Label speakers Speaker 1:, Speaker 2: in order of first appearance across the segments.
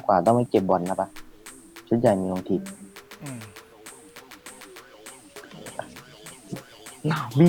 Speaker 1: กว่าต้องไปเก็บบอลนะปะชุดใหญ่มีลงที
Speaker 2: อืม
Speaker 1: หนาวบี้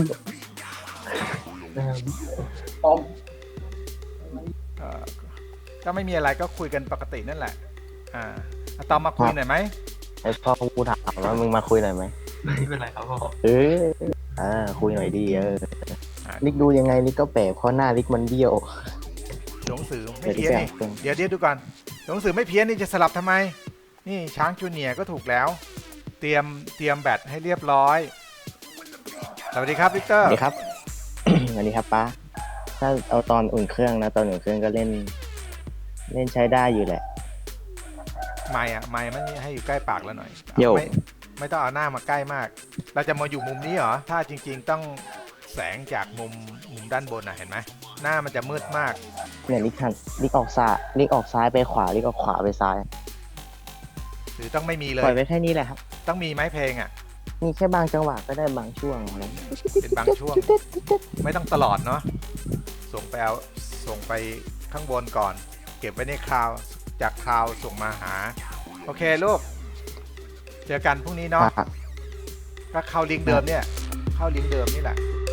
Speaker 2: เอ่อก็ไม่มีอะไรก็คุยกันปกตินั่นแหละอะตอมมาคุยหน่อยไหม
Speaker 1: ไอพ่อกูถามว่ามึงมาคุยหน่อยไหม
Speaker 3: ไม่เป็นไรครับพ่อ
Speaker 1: เออคุยหน่อยดี
Speaker 2: อ่ะ
Speaker 1: ลิกดูยังไงลิกก็แปลกเพราะหน้าลิกมันเบี้ยว
Speaker 2: หนังสือไม่เพี้ยนนี่ เดี๋ยวดูก่อนหนังสือไม่เพี้ยนนี่จะสลับทำไมนี่ช้างจูเนียร์ก็ถูกแล้วเตรียมแบตให้เรียบร้อยสวัสดีครับวิกเตอ
Speaker 1: ส
Speaker 2: ร์
Speaker 1: วัสดีครับ สวัสดีครับป้าถ้าเอาตอนอุ่นเครื่องนะตอนอุ่นเครื่องก็เล่นใช้ได้อยู่แหละ
Speaker 2: ไม่มันให้อยู่ใกล้ปากแล้วหน่อย
Speaker 1: โย่
Speaker 2: ไม่ต้องเอาหน้ามาใกล้มาก เราจะมาอยู่มุมนี้เหรอถ้าจริงๆต้องแสงจากมุมด้านบนนะเห็นไหมหน้ามันจะมืดมาก
Speaker 1: เนี่ยลิกออกซ้ายไปขวาลิกออกขวาไปซ้าย
Speaker 2: หรือต้องไม่มีเล
Speaker 1: ปล่อย
Speaker 2: ย
Speaker 1: ไปแค่นี้แหละครับ
Speaker 2: ต้องมีไหมเพลงอ่ะ
Speaker 1: มีแค่บางจังหวะก็ได้บางช่วงอะไร
Speaker 2: เป็นบางช่วง ไม่ต้องตลอดเนาะส่งไปข้างบนก่อน เก็บไว้ในคลาวจากคลาวส่งมาหาโอเคลูกเจอกันพรุ่งนี้เนาะก็เข้าลิงก์เดิมเนี่ยเข้าลิงก์เดิมนี่แหละ